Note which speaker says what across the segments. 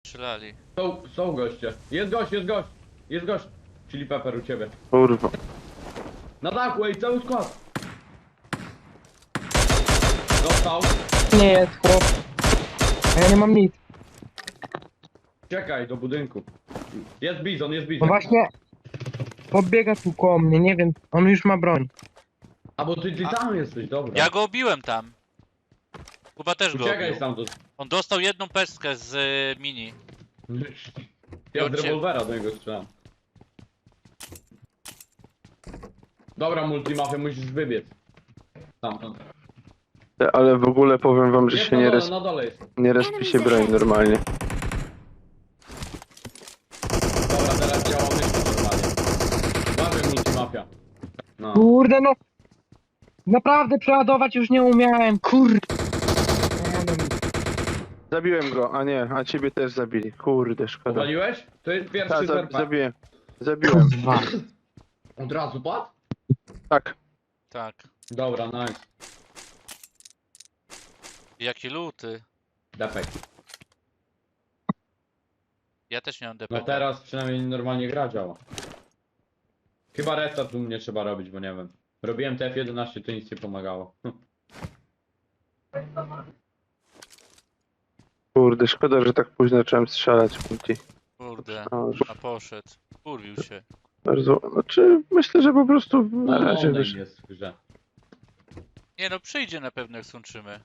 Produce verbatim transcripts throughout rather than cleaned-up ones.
Speaker 1: Strzelali.
Speaker 2: Są, są goście. Jest gość, jest gość. Jest gość. Chili pepper u ciebie.
Speaker 3: Kurwa.
Speaker 2: Na dachu, ej, cały skład. Dostał.
Speaker 4: Nie jest chłop. A ja nie mam nic.
Speaker 2: Czekaj, do budynku. Jest bizon, jest
Speaker 4: No
Speaker 2: bizon.
Speaker 4: właśnie. Podbiega tu koło mnie, nie wiem. On już ma broń.
Speaker 2: A bo ty, ty tam jesteś, dobra.
Speaker 1: Ja go obiłem tam. Kuba też go
Speaker 2: Uciekaj
Speaker 1: obił.
Speaker 2: stamtąd.
Speaker 1: On dostał jedną pestkę z y, mini.
Speaker 2: Ja z
Speaker 1: Ucie-
Speaker 2: rewolwera do niego strzelam. Dobra, multimafia, musisz wybiec. Stamtąd.
Speaker 3: Ale w ogóle powiem wam, że
Speaker 2: Jest
Speaker 3: się
Speaker 2: na
Speaker 3: nie,
Speaker 2: dole,
Speaker 3: res...
Speaker 2: na dole jest.
Speaker 3: nie respi się broń normalnie.
Speaker 2: Dobra, teraz działa myśl normalnie. Mamy multimafia. No.
Speaker 4: Kurde no. Naprawdę przeładować już nie umiałem. Kurde. Nie wiem.
Speaker 3: Zabiłem go, a nie, a ciebie też zabili. Kurde, szkoda.
Speaker 2: Powaliłeś? To jest pierwszy
Speaker 3: Tak, za,
Speaker 2: zerpa.
Speaker 3: zabiłem. Zabiłem.
Speaker 4: Dwa.
Speaker 2: Od razu padł?
Speaker 3: Tak.
Speaker 1: Tak.
Speaker 2: Dobra, nice.
Speaker 1: Jaki luty.
Speaker 2: Defekt.
Speaker 1: Ja też nie mam D P.
Speaker 2: No teraz przynajmniej normalnie gra działa. Chyba restart u mnie trzeba robić, bo nie wiem. Robiłem T F jedenaście, to nic nie pomagało.
Speaker 3: Kurde, szkoda, że tak późno zacząłem strzelać multi.
Speaker 1: Kurde.
Speaker 3: No, że
Speaker 1: A poszedł. Kurwił się.
Speaker 3: bardzo, znaczy myślę, że po prostu na
Speaker 2: No,
Speaker 3: razie
Speaker 2: online
Speaker 3: wiesz.
Speaker 2: jest w grze.
Speaker 1: Nie no, przyjdzie na pewno jak skończymy.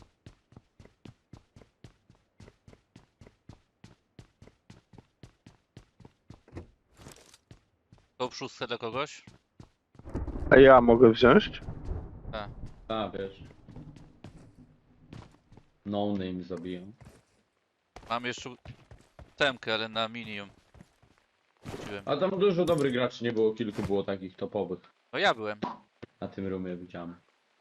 Speaker 1: To szóstkę dla kogoś?
Speaker 3: A ja mogę wziąć?
Speaker 2: A, wiesz. No name zabiją.
Speaker 1: Mam jeszcze temkę, ale na mini ją wróciłem.
Speaker 2: A tam dużo dobrych graczy nie było, kilku było takich topowych.
Speaker 1: No ja byłem,
Speaker 2: Na tym roomie widziałem.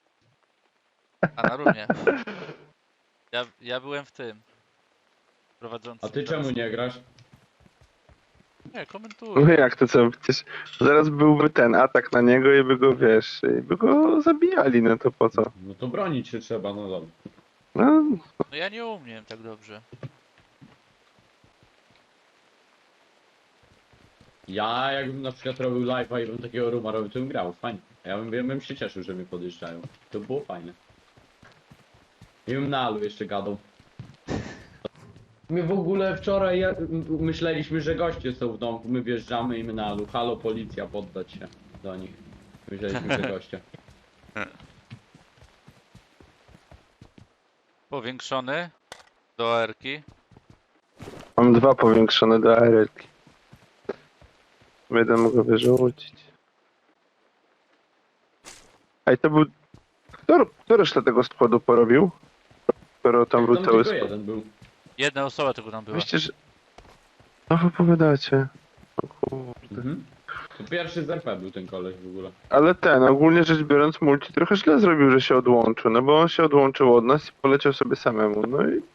Speaker 1: a na rumie. Ja, ja byłem w tym. Prowadzący.
Speaker 2: A ty czemu nie grasz?
Speaker 1: Nie,
Speaker 3: No
Speaker 1: komentuję.
Speaker 3: jak to co? Przecież zaraz byłby ten atak na niego i by go, wiesz, i by go zabijali, no to po co?
Speaker 2: No to bronić się trzeba, no dobra.
Speaker 3: No,
Speaker 1: No ja nie umiem tak dobrze.
Speaker 2: Ja jakbym na przykład robił live'a i bym takiego rooma robił, to bym grał, fajnie. Ja bym, ja bym się cieszył, że mnie podjeżdżają. To było fajne. I bym na alu jeszcze gadał. My w ogóle wczoraj ja, m- myśleliśmy, że goście są w domku, my wjeżdżamy i my na alu. Halo policja, poddać się do nich. Myśleliśmy, że goście.
Speaker 1: Powiększony do erki.
Speaker 3: mam dwa powiększone do A R L-ki. Jeden mogę wyrzucić. Ej, to był... Kto, kto resztę tego składu porobił? Skoro tam był
Speaker 2: Tam
Speaker 3: cały
Speaker 2: tylko
Speaker 3: skład.
Speaker 2: jeden był.
Speaker 1: Jedna osoba tylko tam była.
Speaker 3: Myślę, że... No wy powiadacie. O kurde.
Speaker 2: Mhm. To pierwszy z R P był ten koleś w ogóle.
Speaker 3: Ale ten, ogólnie rzecz biorąc, multi trochę źle zrobił, że się odłączył, no bo on się odłączył od nas i poleciał sobie samemu, no i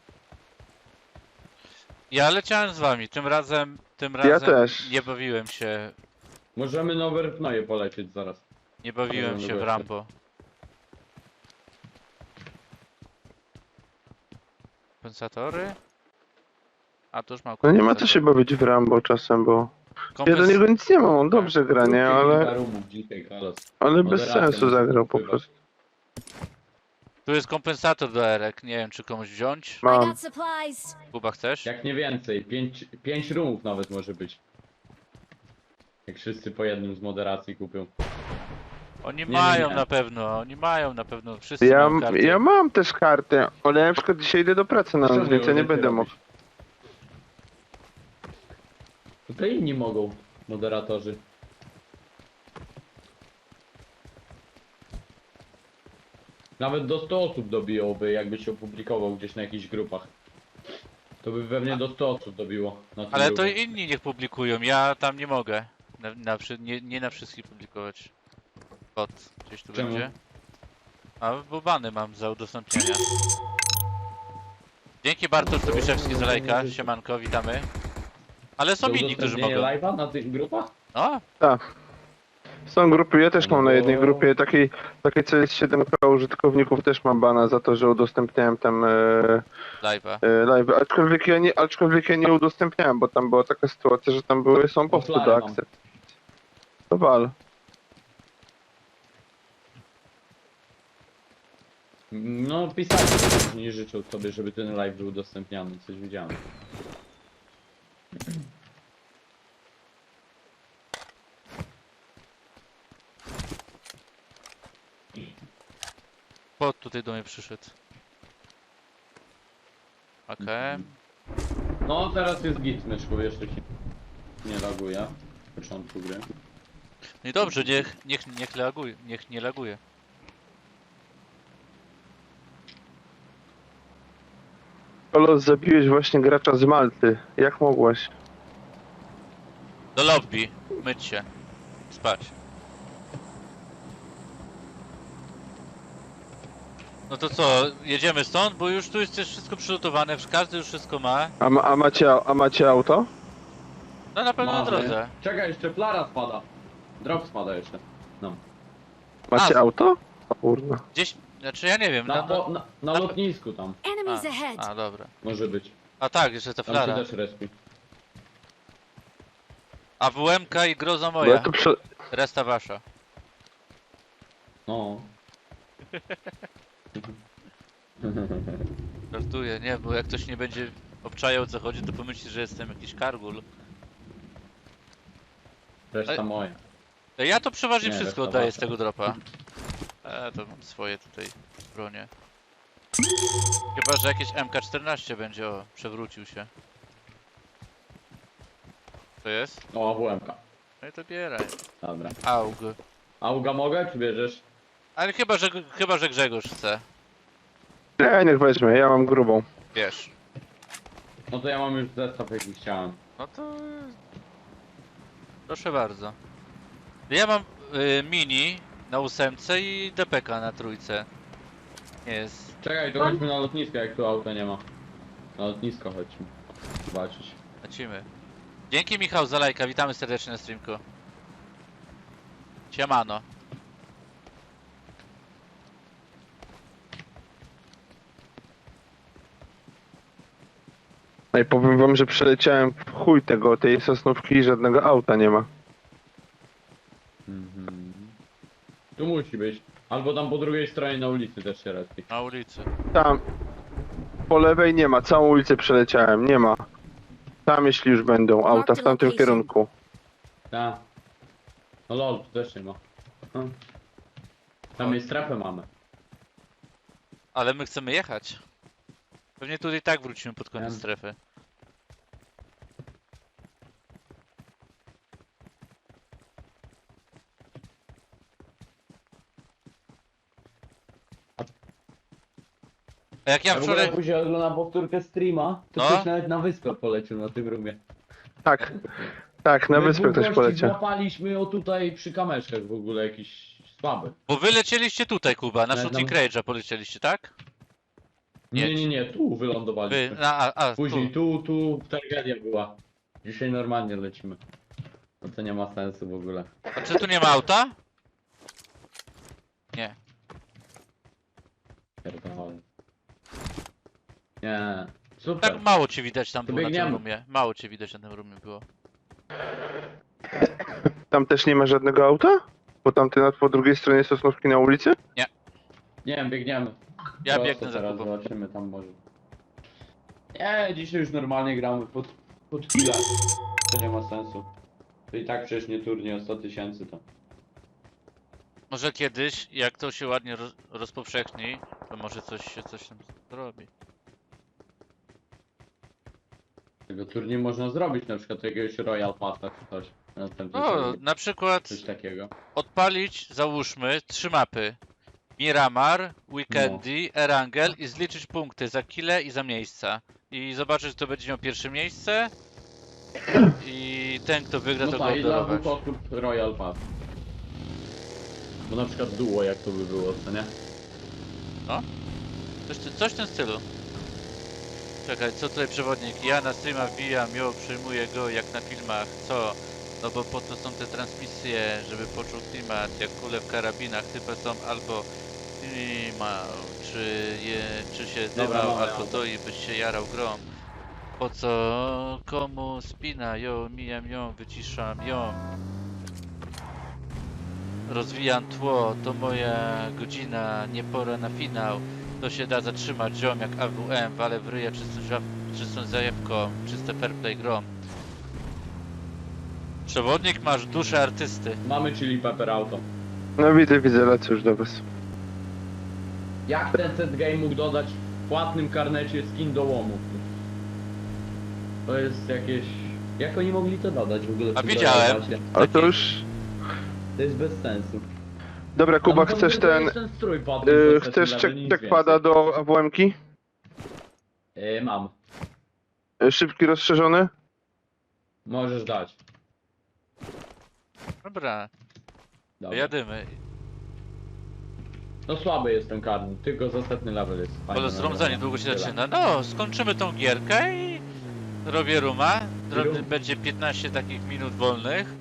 Speaker 1: Ja leciałem z wami, tym razem, tym razem
Speaker 3: Ja też.
Speaker 1: nie bawiłem się,
Speaker 2: Możemy na overpnoje polecieć zaraz.
Speaker 1: nie bawiłem
Speaker 2: Dobra,
Speaker 1: się w
Speaker 2: dobra.
Speaker 1: Rambo. Kompensatory? A to już mam
Speaker 3: no nie ma co się
Speaker 1: kompensatory.
Speaker 3: bawić w Rambo czasem, bo ja
Speaker 1: Kompens-
Speaker 3: do niego nic nie mam, on dobrze gra, nie,
Speaker 2: Kilka
Speaker 3: ale,
Speaker 2: roomów dzisiaj, Carlos.
Speaker 3: ale bez
Speaker 2: Moderacja
Speaker 3: sensu
Speaker 2: musi
Speaker 3: zagrał po
Speaker 2: wpływać.
Speaker 3: prostu.
Speaker 1: Tu jest kompensator do erek, nie wiem czy komuś wziąć.
Speaker 5: I
Speaker 3: Mam,
Speaker 5: got supplies.
Speaker 1: Kuba chcesz?
Speaker 2: Jak nie więcej, pięć, pięć roomów nawet może być. Jak wszyscy po jednym z moderacji kupią.
Speaker 1: Oni
Speaker 2: nie,
Speaker 1: mają
Speaker 2: nie.
Speaker 1: na pewno, oni mają na pewno, wszyscy
Speaker 3: ja,
Speaker 1: mają karty.
Speaker 3: ja mam też kartę, ale ja na przykład dzisiaj idę do pracy na noc,
Speaker 2: Czemu
Speaker 3: więc ja
Speaker 2: ją
Speaker 3: nie
Speaker 2: więcej
Speaker 3: będę
Speaker 2: robisz?
Speaker 3: mógł.
Speaker 2: To inni mogą, moderatorzy. Nawet do stu osób dobiłoby, jakby się opublikował gdzieś na jakichś grupach. To by pewnie do stu osób dobiło. Na tym
Speaker 1: Ale to
Speaker 2: grupie.
Speaker 1: inni niech publikują, ja tam nie mogę. Na, na, wszy- nie, nie na wszystkich publikować. Kod gdzieś tu
Speaker 2: Czemu?
Speaker 1: będzie. A bo bany mam za udostępnienia. Dzięki Bartosz Tobiszewski za lajka, siemanko, witamy. Ale są
Speaker 2: Do
Speaker 1: inni, którzy
Speaker 2: udostępnienia
Speaker 1: mogą.
Speaker 2: live'a na tych grupach?
Speaker 1: No,
Speaker 3: Tak, Są grupy, ja też mam na jednej
Speaker 2: No.
Speaker 3: grupie takiej, takiej co jest siedem k użytkowników, też mam bana za to, że udostępniałem tam e,
Speaker 1: Live'a.
Speaker 3: e, live. Aczkolwiek ja, nie, aczkolwiek ja nie udostępniałem, bo tam była taka sytuacja, że tam były, są posty do
Speaker 2: Offline mam.
Speaker 3: akcept. To wal.
Speaker 2: No pisali, że nie życzą sobie, żeby ten live był udostępniany, coś widziałem.
Speaker 1: Pod tutaj do mnie przyszedł. Okej.
Speaker 2: No teraz jest git, myszku, jeszcze się nie laguje. W początku gry.
Speaker 1: No i dobrze, niech, niech, niech laguje, niech nie laguje.
Speaker 3: Kolos, zabiłeś właśnie gracza z Malty. Jak mogłeś?
Speaker 1: Do lobby, myć się, spać. No to co, jedziemy stąd, bo już tu jest też wszystko przygotowane, każdy już wszystko ma.
Speaker 3: A, ma, a, macie, a macie auto?
Speaker 1: No na pewno na
Speaker 2: Mamy.
Speaker 1: drodze.
Speaker 2: Czekaj, jeszcze flara spada. Drop spada jeszcze. No.
Speaker 3: Macie
Speaker 1: A.
Speaker 3: auto? O kurwa.
Speaker 1: Gdzieś, znaczy ja nie wiem,
Speaker 2: Na,
Speaker 1: na,
Speaker 2: po,
Speaker 1: na,
Speaker 2: na, na
Speaker 1: na-
Speaker 2: lotnisku tam.
Speaker 5: Enemies
Speaker 1: A,
Speaker 5: ahead.
Speaker 1: a dobra.
Speaker 2: Może być.
Speaker 1: A tak, jeszcze ta
Speaker 2: Tam się
Speaker 1: flara.
Speaker 2: też respi.
Speaker 1: A W M K i groza
Speaker 3: Bo ja
Speaker 1: moja,
Speaker 3: tu prze...
Speaker 1: resta wasza.
Speaker 2: No.
Speaker 1: Żartuję, nie, bo jak ktoś nie będzie obczajał o co chodzi, to pomyśli, że jestem jakiś kargul.
Speaker 2: Reszta
Speaker 1: Ej.
Speaker 2: moja.
Speaker 1: Ej, Ja to przeważnie
Speaker 2: Nie,
Speaker 1: wszystko
Speaker 2: reszta
Speaker 1: oddaję z
Speaker 2: wasza.
Speaker 1: tego dropa. E, to mam swoje tutaj bronie. Chyba, że jakieś M K czternaście będzie, o, przewrócił się. To jest?
Speaker 2: O, A W M K.
Speaker 1: No i to bieraj.
Speaker 2: Dobra.
Speaker 1: Aug.
Speaker 2: Auga mogę, czy bierzesz?
Speaker 1: Ale chyba, że, chyba, że Grzegorz chce.
Speaker 3: Nie, niech weźmie, ja mam grubą.
Speaker 1: Wiesz.
Speaker 2: No to ja mam już zestaw jaki chciałem.
Speaker 1: No to... Proszę bardzo. Ja mam y, mini na ósemce i D P K na trójce. Nie jest.
Speaker 2: Czekaj, to chodźmy na lotnisko, jak tu auta nie ma. Na lotnisko chodźmy. Zobaczyć.
Speaker 1: Lecimy. Dzięki Michał za lajka, witamy serdecznie na streamku. Siemano.
Speaker 3: No i powiem wam, że przeleciałem w chuj tego, tej sosnówki i żadnego auta nie ma.
Speaker 2: Mhm. Tu musi być. Albo tam po drugiej stronie na ulicy też się respi.
Speaker 1: Na ulicy.
Speaker 3: Tam, po lewej nie ma, całą ulicę przeleciałem, nie ma. Tam jeśli już będą auta w tamtym kierunku.
Speaker 2: Tak. No lol, tu też nie ma. Hm. Tam jest strefę mamy.
Speaker 1: Ale my chcemy jechać. Pewnie tutaj tak wrócimy pod koniec
Speaker 2: Em.
Speaker 1: strefy. A jak ja
Speaker 2: Ja w ogóle
Speaker 1: wczoraj...
Speaker 2: później oglądam powtórkę streama, to
Speaker 1: No.
Speaker 2: ktoś nawet na wyspę polecił na tym rumie.
Speaker 3: Tak, tak, na
Speaker 2: My
Speaker 3: wyspę
Speaker 2: dwóch
Speaker 3: ktoś
Speaker 2: gości
Speaker 3: poleciał.
Speaker 2: złapaliśmy o tutaj przy kameszkach w ogóle jakiś słaby.
Speaker 1: Bo wy lecieliście tutaj, Kuba, na
Speaker 2: Ale
Speaker 1: Shooting
Speaker 2: tam-
Speaker 1: Rage'a polecieliście, tak?
Speaker 2: Nie,
Speaker 1: Jedź.
Speaker 2: nie, nie, tu
Speaker 1: Wy,
Speaker 2: wylądowaliśmy.
Speaker 1: a, a, a
Speaker 2: Później
Speaker 1: tu.
Speaker 2: tu, tu tragedia była. Dzisiaj normalnie lecimy. No to nie ma sensu w ogóle.
Speaker 1: A czy tu nie ma auta? Nie.
Speaker 2: Pierdolę. Nie. Super.
Speaker 1: Tak mało cię widać tam
Speaker 2: To
Speaker 1: było na tym
Speaker 2: biegniemy.
Speaker 1: roomie. Mało cię widać na tym roomie było.
Speaker 3: Tam też nie ma żadnego auta? Bo tamty na po drugiej stronie sosnówki na ulicy?
Speaker 2: Nie wiem, biegniemy.
Speaker 1: Ja
Speaker 2: Prosto
Speaker 1: biegnę za
Speaker 2: teraz
Speaker 1: Kubą.
Speaker 2: zobaczymy tam może. Nie, dzisiaj już normalnie gramy pod, pod chwilę. To nie ma sensu. To i tak przecież nie turniej o sto tysięcy to.
Speaker 1: Może kiedyś, jak to się ładnie roz, rozpowszechni, to może coś się coś tam zrobi.
Speaker 2: Tego turniej można zrobić, na przykład jakiegoś Royal Passa czy coś. Na następny
Speaker 1: No,
Speaker 2: turniej.
Speaker 1: na przykład
Speaker 2: Coś takiego.
Speaker 1: odpalić, załóżmy, trzy mapy. Miramar, Weekendy, Erangel i zliczyć punkty za kile i za miejsca. I zobaczyć, kto będzie miał pierwsze miejsce. I ten, kto wygra,
Speaker 2: No
Speaker 1: to go
Speaker 2: tak, i dla
Speaker 1: obdarować.
Speaker 2: dwóch osób Royal Pass. Bo na przykład duo jak to by było, co nie?
Speaker 1: Coś, coś w tym stylu. Czekaj, co tutaj przewodnik? Ja na streama wbijam, ją przyjmuję go jak na filmach. Co? No bo po to są te transmisje, żeby poczuł klimat, jak kule w karabinach, typy są albo klimał, czy, je, czy się
Speaker 2: Dobra,
Speaker 1: dymał,
Speaker 2: mamy
Speaker 1: albo
Speaker 2: auto.
Speaker 1: to i byś się jarał grą. Po co komu spina ją, mijam ją, wyciszam ją. Rozwijam tło, to moja godzina, nie pora na finał. To się da zatrzymać, ziom jak A W M, wale w ryja czystą, żab- czystą zajebką, czyste fair play grom. Przewodnik, masz duszę artysty.
Speaker 2: Mamy chili pepper auto.
Speaker 3: No widzę, widzę, lecę już do was.
Speaker 2: Jak ten set game mógł dodać w płatnym karnecie skin do łomów? To jest jakieś... Jak oni mogli to dodać w ogóle? w
Speaker 1: A
Speaker 2: tym
Speaker 1: widziałem.
Speaker 2: Dolarosie?
Speaker 3: Ale to
Speaker 1: Taki-
Speaker 3: już...
Speaker 2: To jest bez sensu.
Speaker 3: Dobra, Kuba,
Speaker 2: Tam
Speaker 3: chcesz
Speaker 2: tylko
Speaker 3: ten...
Speaker 2: jest ten strój padł
Speaker 3: Yy,
Speaker 2: z
Speaker 3: chcesz
Speaker 2: setting level, nic
Speaker 3: checkpada
Speaker 2: więcej.
Speaker 3: do A W M-ki?
Speaker 2: Yy, mam.
Speaker 3: Yy, Szybki, rozszerzony?
Speaker 2: Możesz dać.
Speaker 1: Dobra,
Speaker 2: Dobra.
Speaker 1: jadymy.
Speaker 2: No słaby jest ten karny, tylko za setny level jest fajny.
Speaker 1: Bo zrądzanie długo się
Speaker 2: Tyle.
Speaker 1: zaczyna. No, skończymy tą gierkę i robię ruma. Dro-
Speaker 2: Rum.
Speaker 1: Będzie piętnaście takich minut wolnych.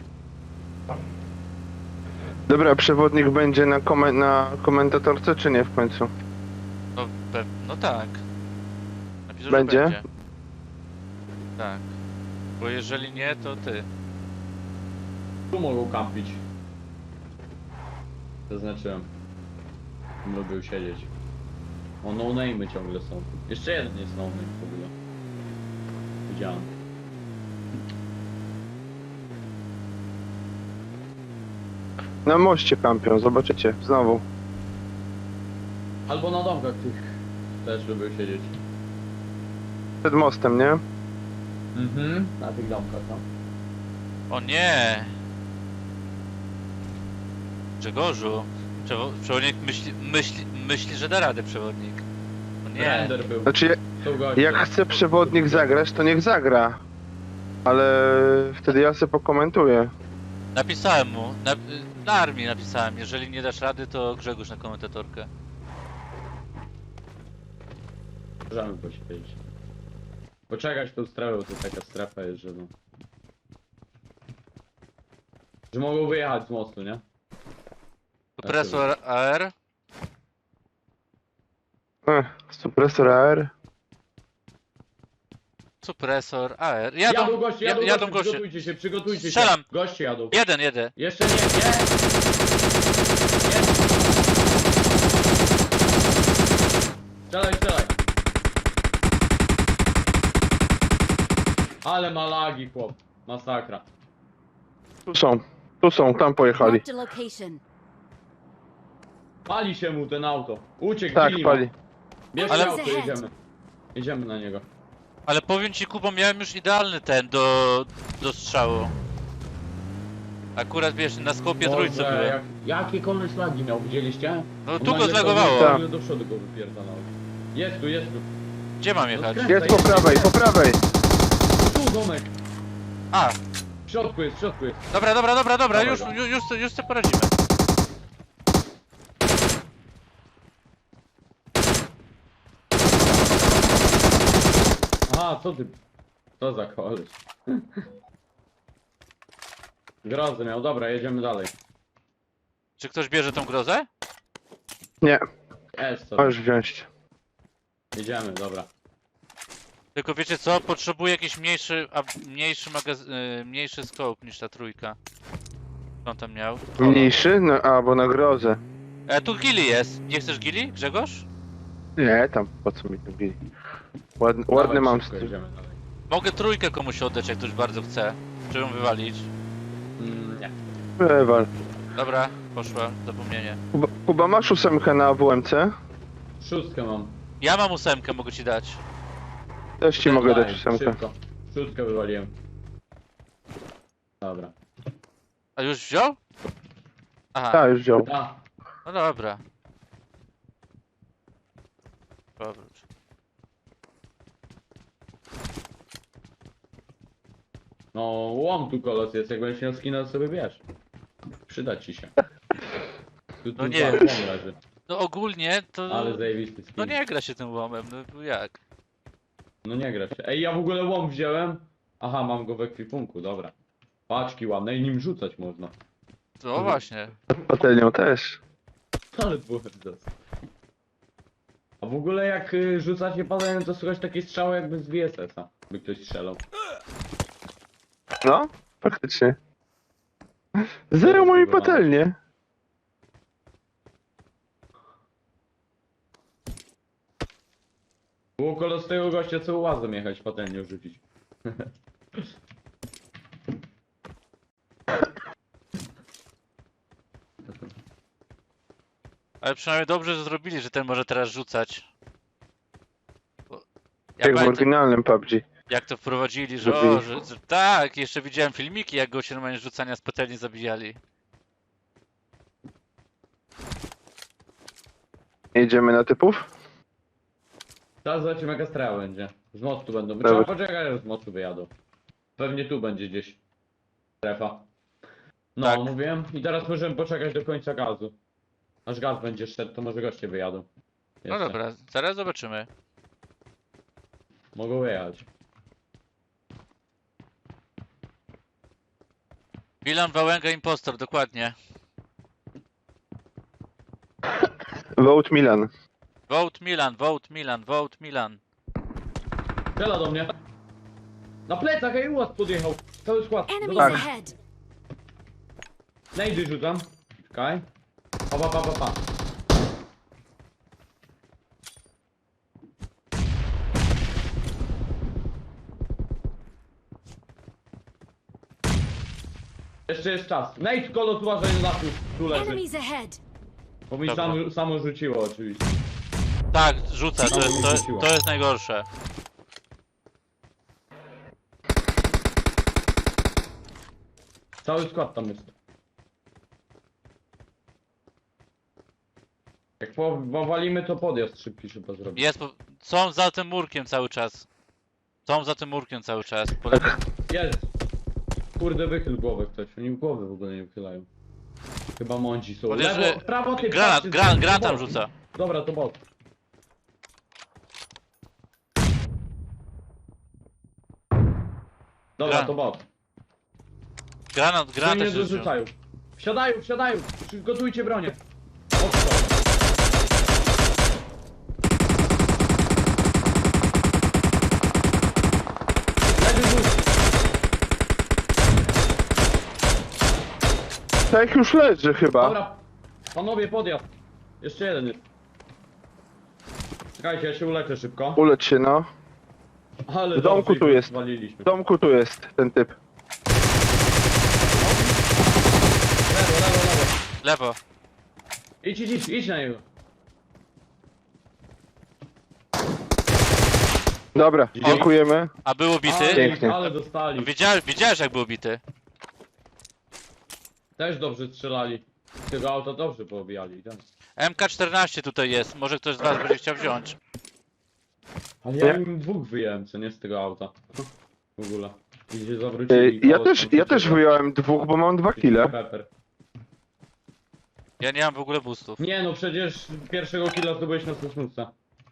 Speaker 3: Dobra, przewodnik będzie na, komen na komentatorce, czy nie w końcu?
Speaker 1: No, pe- no tak. Napiszę, że
Speaker 3: Będzie?
Speaker 1: będzie. Tak. Bo jeżeli nie, to ty.
Speaker 2: Tu mogą kampić. Zaznaczyłem. Lubił siedzieć. O, no name'y ciągle są. Jeszcze jeden jest no name w ogóle. Widziałem.
Speaker 3: Na moście kampią, zobaczycie, znowu.
Speaker 2: Albo na domkach tych też lubił siedzieć.
Speaker 3: Przed mostem, nie?
Speaker 2: Mhm. Na tych domkach, no.
Speaker 1: O nie! Grzegorzu, przewo- przewodnik myśli, myśli, myśli, że da radę przewodnik. O nie.
Speaker 2: Render był.
Speaker 3: Znaczy, ja-
Speaker 2: Tu gościu.
Speaker 3: jak chce przewodnik zagrać, to niech zagra. Ale wtedy ja sobie pokomentuję.
Speaker 1: Napisałem mu, na, na armii napisałem, jeżeli nie dasz rady, to Grzegorz na komentatorkę.
Speaker 2: Możemy posiedzieć. Poczekać tą strefę, bo to taka strefa jest, że no... Że mogą wyjechać z mostu, nie?
Speaker 1: Supresor A R.
Speaker 3: Ech, supresor A R.
Speaker 1: Supresor A R.
Speaker 2: Jadą,
Speaker 1: Jadą,
Speaker 2: goście,
Speaker 1: ja-
Speaker 2: jadą,
Speaker 1: jadą
Speaker 2: goście,
Speaker 1: goście.
Speaker 2: przygotujcie się, przygotujcie
Speaker 1: Strzelam.
Speaker 2: się. Goście jadą.
Speaker 1: Jeden, jeden.
Speaker 2: Jeszcze nie, nie! Strzelaj, strzelaj. Ale ma lagi, chłop. Masakra.
Speaker 3: Tu są, tu są, tam pojechali.
Speaker 5: Marked a location.
Speaker 2: Pali się mu ten auto. Uciekł,
Speaker 3: Tak,
Speaker 2: bili
Speaker 3: pali.
Speaker 2: go. Bierz
Speaker 1: Ale-
Speaker 2: auto, jedziemy. Jedziemy na niego.
Speaker 1: Ale powiem ci, Kubo, miałem już idealny ten do, do strzału. Akurat wiesz, na skopie
Speaker 2: Boże,
Speaker 1: trójce byłem.
Speaker 2: jak, jakie koleś lagi miał, widzieliście?
Speaker 1: No
Speaker 2: On
Speaker 1: tu go
Speaker 2: nagle
Speaker 1: zlagowało.
Speaker 3: Tak.
Speaker 2: nagle do przodu go wypierdalał. Jest tu, jest tu.
Speaker 1: Gdzie mam jechać?
Speaker 2: No
Speaker 3: Jest po prawej, po prawej.
Speaker 2: Tu domek.
Speaker 1: A,
Speaker 2: W środku jest, w środku jest.
Speaker 1: dobra, dobra, dobra, dobra,
Speaker 2: Dawaj
Speaker 1: już,
Speaker 2: go.
Speaker 1: już, już, już sobie poradzimy.
Speaker 2: Aha, co ty? Co za koleś? Grozę miał, dobra, jedziemy dalej.
Speaker 1: Czy ktoś bierze tą grozę?
Speaker 3: Nie,
Speaker 2: Es, co?
Speaker 3: możesz wziąć.
Speaker 2: Jedziemy, dobra.
Speaker 1: Tylko wiecie co? Potrzebuję jakiś mniejszy, a mniejszy magaz... y, mniejszy scope niż ta trójka. Co on tam miał?
Speaker 3: Mniejszy? No, a, bo na grozę.
Speaker 1: E, tu gili jest. Nie chcesz gili, Grzegorz?
Speaker 3: Nie, tam, po co mi to bili. Ładny, ładny
Speaker 2: Dawaj,
Speaker 3: mam
Speaker 2: szybko
Speaker 3: styl.
Speaker 2: jedziemy dalej.
Speaker 1: Mogę trójkę komuś oddać, jak ktoś bardzo chce. Czy ją wywalić?
Speaker 2: Mm, nie.
Speaker 3: Wywal.
Speaker 1: Dobra, poszła, zapomnienie.
Speaker 3: Kuba, Kuba, masz ósemkę na A W M C?
Speaker 2: Szóstkę mam.
Speaker 1: Ja mam ósemkę, mogę ci dać.
Speaker 3: Też ci mogę
Speaker 2: Daj,
Speaker 3: dać ósemkę.
Speaker 2: Szybko. Szóstkę wywaliłem. Dobra.
Speaker 1: A już wziął? Aha,
Speaker 3: Tak, już wziął.
Speaker 2: A,
Speaker 1: no dobra. Dobra.
Speaker 2: no łom tu kolos jest, jak będziesz miał skina, to sobie bierz. Przyda ci się. Tu, tu
Speaker 1: No nie.
Speaker 2: cały łom leży.
Speaker 1: No ogólnie to...
Speaker 2: Ale zajebisty skin.
Speaker 1: No nie gra się tym łomem, no jak?
Speaker 2: No nie gra się. Ej, ja w ogóle łom wziąłem. Aha, mam go w ekwipunku, dobra. Paczki ładne i nim rzucać można.
Speaker 1: No właśnie.
Speaker 3: Patelnią też.
Speaker 2: Ale było dos. A w ogóle jak y, rzuca się patelnią, to słychać takie strzały jakby z V S S-a. By ktoś strzelał.
Speaker 3: No, faktycznie. Zero mojej patelnie.
Speaker 2: Było koło z tego gościa, co łazem jechać patelnią rzucić.
Speaker 1: Ale przynajmniej dobrze że zrobili, że ten może teraz rzucać. Bo Ja
Speaker 3: Jak w
Speaker 1: pamiętam,
Speaker 3: oryginalnym P U B G.
Speaker 1: jak to wprowadzili, że o,
Speaker 3: Zrobili.
Speaker 1: że, że tak, jeszcze widziałem filmiki, jak go się normalnie z rzucania z patelni zabijali.
Speaker 3: Jedziemy na typów?
Speaker 2: Teraz zobaczymy jaka strała będzie. Z mostu będą.
Speaker 3: Dobra.
Speaker 2: Trzeba poczekać, aż z mostu wyjadą. Pewnie tu będzie gdzieś strefa. No,
Speaker 1: Tak.
Speaker 2: mówiłem. I teraz możemy poczekać do końca gazu. Aż gaz będzie szedł, to może goście wyjadą.
Speaker 1: No
Speaker 2: Jeszcze.
Speaker 1: dobra, zaraz zobaczymy.
Speaker 2: Mogą wyjechać.
Speaker 1: Milan Wałęga Impostor, dokładnie.
Speaker 3: Vote Milan.
Speaker 1: Vote Milan, vote Milan, vote Milan.
Speaker 2: Strzela do mnie. Na plecach, ej, ułaz podjechał. Cały skład. Do
Speaker 5: Enemies
Speaker 2: domu.
Speaker 5: ahead.
Speaker 2: Nejdy rzucam. Czekaj. Pa, pa, pa, pa, pa. Jeszcze jest czas. Nejd, kolo, tu uważaj na tu, tu leży.
Speaker 5: Enemies ahead.
Speaker 2: Bo mi
Speaker 1: Dobra.
Speaker 2: sam, samo rzuciło oczywiście.
Speaker 1: Tak, rzuca, to, jest- to,
Speaker 2: Rzuciło.
Speaker 1: to jest najgorsze.
Speaker 2: Cały skład tam jest. Jak po- powalimy, to podjazd szybki trzeba zrobić.
Speaker 1: Jest, po- są za tym murkiem cały czas. Są za tym murkiem cały czas. Po lewej-
Speaker 2: Jest! Kurde, wychyl głowę ktoś. Oni głowy w ogóle nie wychylają. Chyba mądzi są.
Speaker 1: Podejrz-
Speaker 2: Lewo, w prawo, ty
Speaker 1: Granat,
Speaker 2: patrzcie,
Speaker 1: gran,
Speaker 2: to
Speaker 1: gran tam
Speaker 2: bot.
Speaker 1: rzuca.
Speaker 2: Dobra, to bot. Dobra,
Speaker 1: Gran-
Speaker 2: to bot.
Speaker 1: Granat, granat
Speaker 2: Oni nie
Speaker 1: też rzucił.
Speaker 2: dorzucają. Wsiadają, wsiadają! Przygotujcie bronię. Odstrzał. Lewy rzut.
Speaker 3: Tak już leży chyba.
Speaker 2: Dobra, panowie, podjazd. Jeszcze jeden jest. Czekajcie, ja się uleczę szybko.
Speaker 3: Ulecz się, no.
Speaker 2: Ale
Speaker 3: W domku
Speaker 2: dobrze
Speaker 3: tu
Speaker 2: ich
Speaker 3: jest.
Speaker 2: Zwaliliśmy.
Speaker 3: W domku tu jest ten typ.
Speaker 2: Lewo, lewo, lewo.
Speaker 1: Lewo.
Speaker 2: Idź, idź, idź, idź na niego.
Speaker 3: Dobra, dziękujemy.
Speaker 1: A był ubity?
Speaker 2: Ale,
Speaker 3: Pięknie.
Speaker 2: ale dostali.
Speaker 1: Widziałeś, widziałeś jak był ubity?
Speaker 2: Też dobrze strzelali. Z tego auta dobrze poobijali. Tak.
Speaker 1: M K czternaście tutaj jest, może ktoś z was będzie chciał wziąć.
Speaker 2: Ale ja
Speaker 3: Nie?
Speaker 2: im dwóch wyjąłem, co nie z tego auta. W ogóle. I się
Speaker 3: Ej,
Speaker 2: zawrócili.
Speaker 3: Ja
Speaker 2: koło
Speaker 3: też,
Speaker 2: stąd
Speaker 3: ja też
Speaker 2: uciekło.
Speaker 3: wyjąłem dwóch, bo mam dwa kile.
Speaker 2: Pepper.
Speaker 1: Ja nie mam w ogóle boostów.
Speaker 2: Nie no, przecież pierwszego killa zdobyłeś na Sosnówce.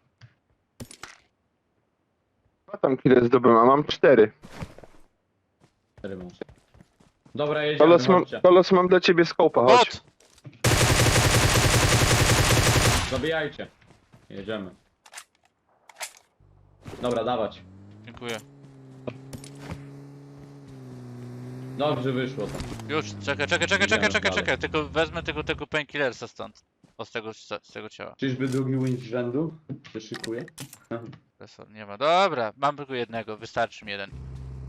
Speaker 3: Dwa tam kile zdobyłem, a mam cztery.
Speaker 2: Cztery masz. Dobra, jedziemy,
Speaker 3: Kolos mam,
Speaker 2: chodźcie.
Speaker 3: kolos mam dla ciebie skopa, chodź.
Speaker 1: Bot!
Speaker 2: Zabijajcie. Jedziemy. Dobra, dawać.
Speaker 1: Dziękuję.
Speaker 2: Dobrze wyszło to.
Speaker 1: Już, czekaj, czekaj, czekaj,
Speaker 2: Idziemy
Speaker 1: czekaj, czekaj,
Speaker 2: dalej.
Speaker 1: czekaj. Tylko wezmę tego, tego painkillersa stąd. O, z tego, z tego ciała.
Speaker 2: Czyżby drugi win z rzędu się szykuje?
Speaker 1: Profesor, nie ma. Dobra, mam tylko jednego, wystarczy mi jeden.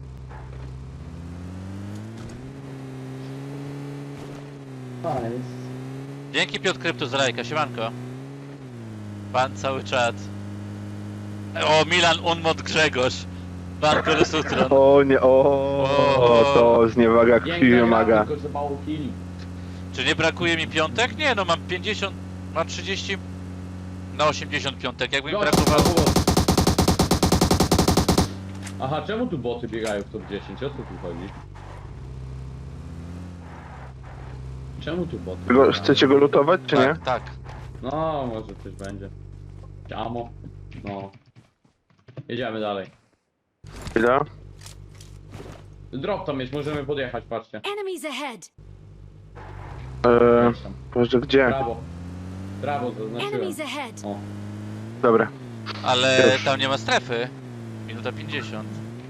Speaker 1: Dzięki Piotr Krypto za lajka, siemanko. Pan cały czat. O, Milan Unmod Grzegorz. Pan Kolosutron.
Speaker 3: O nie, o,
Speaker 1: O.
Speaker 3: to zniewaga
Speaker 2: Piękna
Speaker 3: krwi
Speaker 2: gra,
Speaker 3: wymaga.
Speaker 2: tylko że mało killi.
Speaker 1: Czy nie brakuje mi piątek? Nie, no mam pięćdziesiąt, mam trzydzieści na osiemdziesiąt piątek. Jakby mi
Speaker 2: Gość,
Speaker 1: brakowało...
Speaker 2: brawo. Aha, czemu tu boty biegają w top dziesięć? O co tu chodzi? Czemu tu boty
Speaker 3: Go,
Speaker 2: biegają?
Speaker 3: chcecie go lutować, czy nie?
Speaker 1: Tak, tak.
Speaker 2: No, może coś będzie. Ciamo. No. Jedziemy dalej.
Speaker 3: Chwila.
Speaker 2: Drop tam jest, możemy podjechać, patrzcie.
Speaker 5: Enemies ahead!
Speaker 3: Eee,
Speaker 2: Chodź tam.
Speaker 3: Boże, gdzie?
Speaker 2: Prawo. Prawo zaznaczyłem.
Speaker 5: Enemies ahead!
Speaker 2: O.
Speaker 3: Dobra.
Speaker 1: Ale
Speaker 3: Już.
Speaker 1: tam nie ma strefy. Minuta pięćdziesiąt.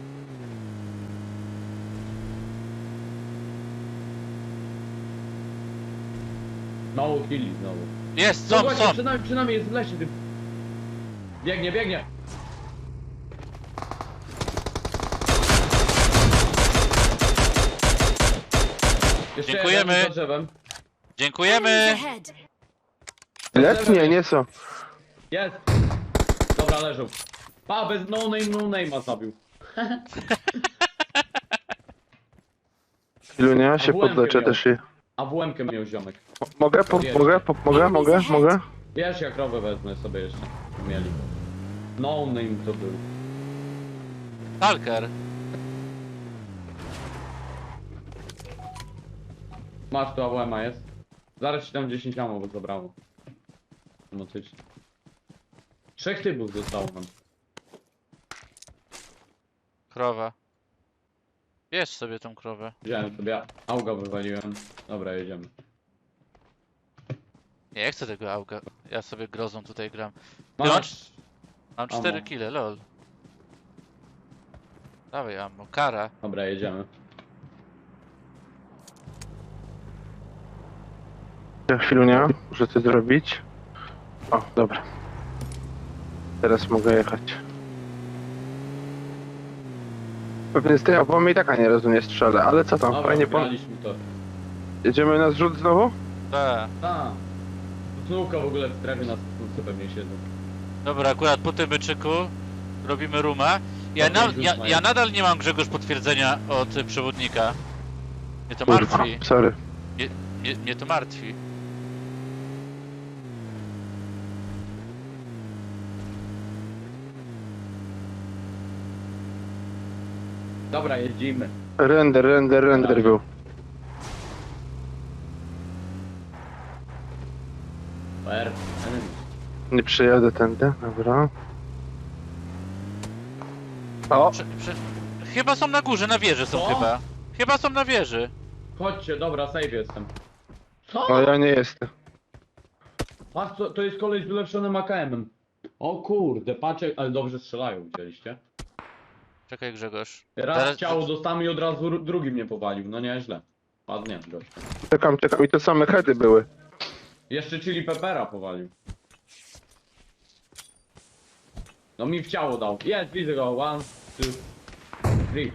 Speaker 2: Mało killi znowu.
Speaker 1: Jest,
Speaker 2: No
Speaker 1: są,
Speaker 2: właśnie,
Speaker 1: są.
Speaker 2: przed nami, przed nami jest w lesie. Ty... Biegnie, biegnie. Jeszcze
Speaker 1: Dziękujemy.
Speaker 2: jeden za drzewem.
Speaker 1: Dziękujemy.
Speaker 5: Enemies ahead!
Speaker 3: Ile? Nie, nie są.
Speaker 2: Jest. Dobra, leżą. Pa, bez no name, no name'a zabił.
Speaker 3: Ilunia się
Speaker 2: A W M-kę
Speaker 3: podleczę
Speaker 2: miał.
Speaker 3: też. i-
Speaker 2: A w łemkę miał ziomek.
Speaker 3: Mo- Mogę? Po, mogę? Po, mogę? Mogę? Mogę?
Speaker 2: Wiesz, jak krowę wezmę sobie jeszcze. Mieli. No name to był.
Speaker 1: Talker.
Speaker 2: Masz tu A W M-a jest. Zaraz ci tam dziesięć ammo bo zabrało. Motycznie. Trzech typów zostało nam.
Speaker 1: Krowa. Bierz sobie tą krowę.
Speaker 2: Wziąłem sobie, auga wywaliłem. Dobra, jedziemy.
Speaker 1: Nie chcę tego auga. Ja sobie grozą tutaj gram.
Speaker 2: Masz.
Speaker 1: Mam
Speaker 2: Ammo.
Speaker 1: cztery kile, lol. Dawaj ammo. Kara.
Speaker 2: Dobra, jedziemy.
Speaker 3: Chwilunia, muszę coś zrobić. O, dobra. Teraz mogę jechać. Pewnie z tej obomy i taka nie rozumie strzelę, ale co tam,
Speaker 2: Dobra,
Speaker 3: fajnie po...
Speaker 2: wygraliśmy to.
Speaker 3: Jedziemy na zrzut znowu?
Speaker 1: Tak.
Speaker 2: A. Znówka w ogóle w strefie nas tu pewnie siedzą.
Speaker 1: Dobra, akurat po tym byczyku robimy ruma. Ja,
Speaker 2: Dobra,
Speaker 1: na,
Speaker 2: już
Speaker 1: ja,
Speaker 2: mają.
Speaker 1: ja nadal nie mam, Grzegorz, potwierdzenia od y, przewodnika. Mnie to
Speaker 3: Kurwa,
Speaker 1: martwi.
Speaker 3: sorry.
Speaker 1: Mnie, mnie to martwi.
Speaker 2: Dobra, jedziemy.
Speaker 3: Render, render, render
Speaker 2: Dobra.
Speaker 3: był.
Speaker 2: Per.
Speaker 3: Nie przyjadę tędy, dobra. O,
Speaker 1: Prze, prze... Chyba są na górze, na wieży są
Speaker 2: Co?
Speaker 1: chyba. Chyba są na wieży.
Speaker 2: Chodźcie, dobra, save jestem. Co?
Speaker 3: no ja nie jestem.
Speaker 2: Patrz, to, to jest kolej z ulepszonym A K M-em. O kurde, patrzę, ale dobrze strzelają, widzieliście?
Speaker 1: Czekaj, Grzegorz.
Speaker 2: Raz
Speaker 1: Zaraz-
Speaker 2: ciało dostałem i od razu ru- drugi mnie powalił, no nieźle. Ładnie, gościa.
Speaker 3: Czekam, czekam i to same heady były.
Speaker 2: Jeszcze chili peppera powalił. No mi w ciało dał. Jest, widzę go. One, two, three.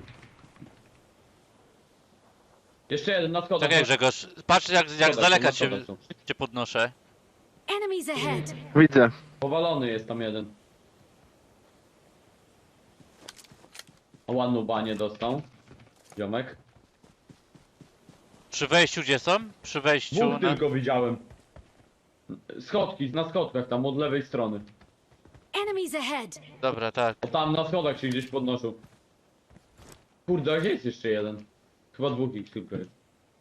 Speaker 2: Jeszcze jeden na schodach.
Speaker 1: Czekaj, Grzegorz. Patrz jak, jak z
Speaker 2: Schodach,
Speaker 1: daleka
Speaker 2: na
Speaker 1: cię,
Speaker 2: schodach są.
Speaker 1: cię podnoszę.
Speaker 5: Enemies ahead!
Speaker 3: Widzę.
Speaker 2: Powalony jest tam jeden. O, ładną banię dostał. Ziomek.
Speaker 1: Przy wejściu gdzie są? Przy wejściu
Speaker 2: Dwóch
Speaker 1: na...
Speaker 2: tylko widziałem. Schodki, na schodkach tam od lewej strony.
Speaker 5: Enemies ahead!
Speaker 1: Dobra, tak.
Speaker 2: O tam na schodach się gdzieś podnoszą. Kurde, a gdzie jest jeszcze jeden? Chyba dwóch ich tylko jest.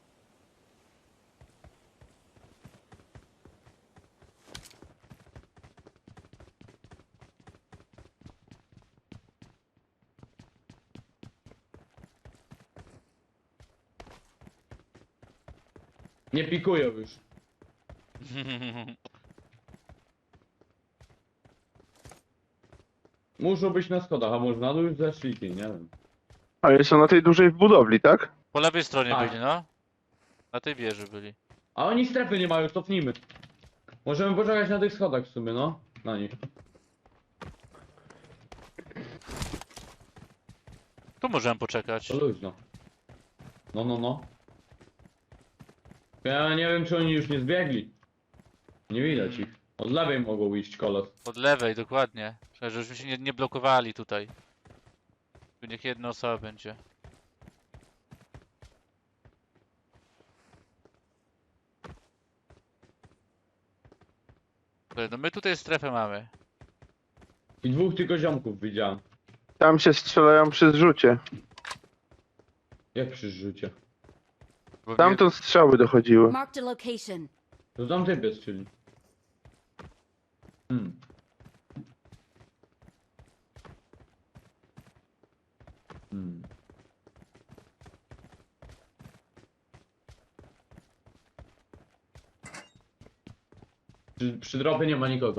Speaker 2: Nie pikują już. Muszą być na schodach, a może na dół już zeszli, nie wiem.
Speaker 3: Ale są na tej dużej budowli, tak?
Speaker 1: Po lewej stronie
Speaker 2: Tak.
Speaker 1: byli, no. Na tej wieży byli.
Speaker 2: A oni strefy nie mają, cofnijmy. Możemy poczekać na tych schodach w sumie, no. Na nich.
Speaker 1: Tu możemy poczekać.
Speaker 2: To luźno. No, no, no. Ja nie wiem, czy oni już nie zbiegli. Nie widać ich. Od lewej mogą iść kolos.
Speaker 1: Od lewej, dokładnie. Żebyśmy się nie, nie blokowali tutaj. Tu niech jedna osoba będzie. Dobra, no my tutaj strefę mamy.
Speaker 2: I dwóch tylko ziomków widziałem.
Speaker 3: Tam się strzelają przy zrzucie.
Speaker 2: Jak przy rzucie.
Speaker 1: Bo
Speaker 3: Tamtąd strzały dochodziły.
Speaker 5: Marked a location.
Speaker 2: To tam typ jest, czyli. Hmm. Hmm. Przy, przy dropie nie ma nikogo.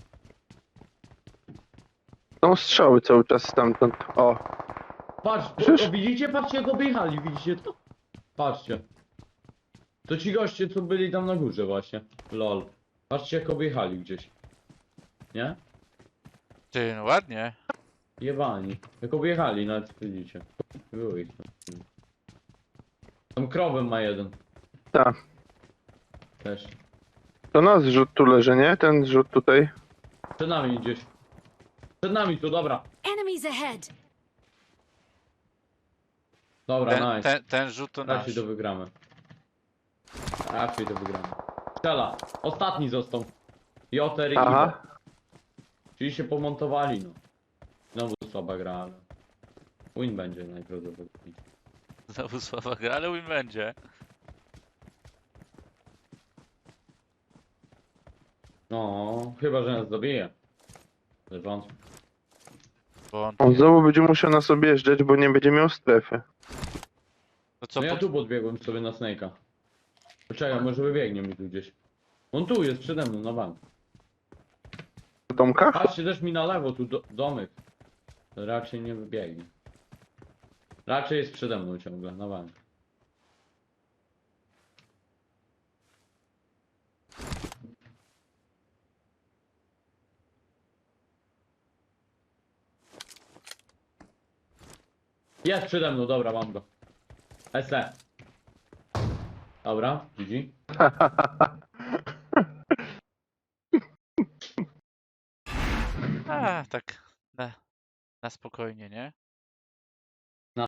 Speaker 3: Są strzały cały czas stamtąd. O,
Speaker 2: Patrz,
Speaker 3: Przecież-
Speaker 2: o, widzicie? Patrzcie jak objechali, widzicie to? Patrzcie. To ci goście, co byli tam na górze właśnie. Lol. Patrzcie jak objechali gdzieś. Nie?
Speaker 1: Ty, no ładnie.
Speaker 2: Jebani. Jak objechali, nawet widzicie. Było ich. Tam krowę ma jeden.
Speaker 3: tak.
Speaker 2: Też.
Speaker 3: To nas zrzut tu leży, nie? Ten zrzut tutaj.
Speaker 2: Przed nami gdzieś. Przed nami tu, dobra.
Speaker 5: Enemies ahead.
Speaker 2: Dobra,
Speaker 1: Ten,
Speaker 2: nice.
Speaker 1: ten, ten rzut to nasz.
Speaker 2: Raczej to wygramy. Raczej to wygramy. Strzela. Ostatni został. Joter i
Speaker 3: Aha.
Speaker 2: Iwo. Czyli się pomontowali, no. Znowu słaba gra, ale... Win będzie najprawdopodobniej.
Speaker 1: Znowu słaba gra, ale win będzie.
Speaker 2: No, chyba, że nas zabije. Ale wątpię.
Speaker 1: Bo
Speaker 3: On znowu będzie musiał nas objeżdżać, bo nie będzie miał strefy.
Speaker 1: to co,
Speaker 2: No ja
Speaker 1: pod...
Speaker 2: tu podbiegłem sobie na Snake'a. Poczekaj, może wybiegnie mi tu gdzieś. On tu jest przede mną, na bank.
Speaker 3: W domkach?
Speaker 2: Patrzcie też mi na lewo, tu do, domek. To raczej nie wybiegnie. Raczej jest przede mną ciągle, na bank. Jest przede mną, dobra, mam go. S E. Dobra, widzi?
Speaker 1: A, tak na, na spokojnie, nie?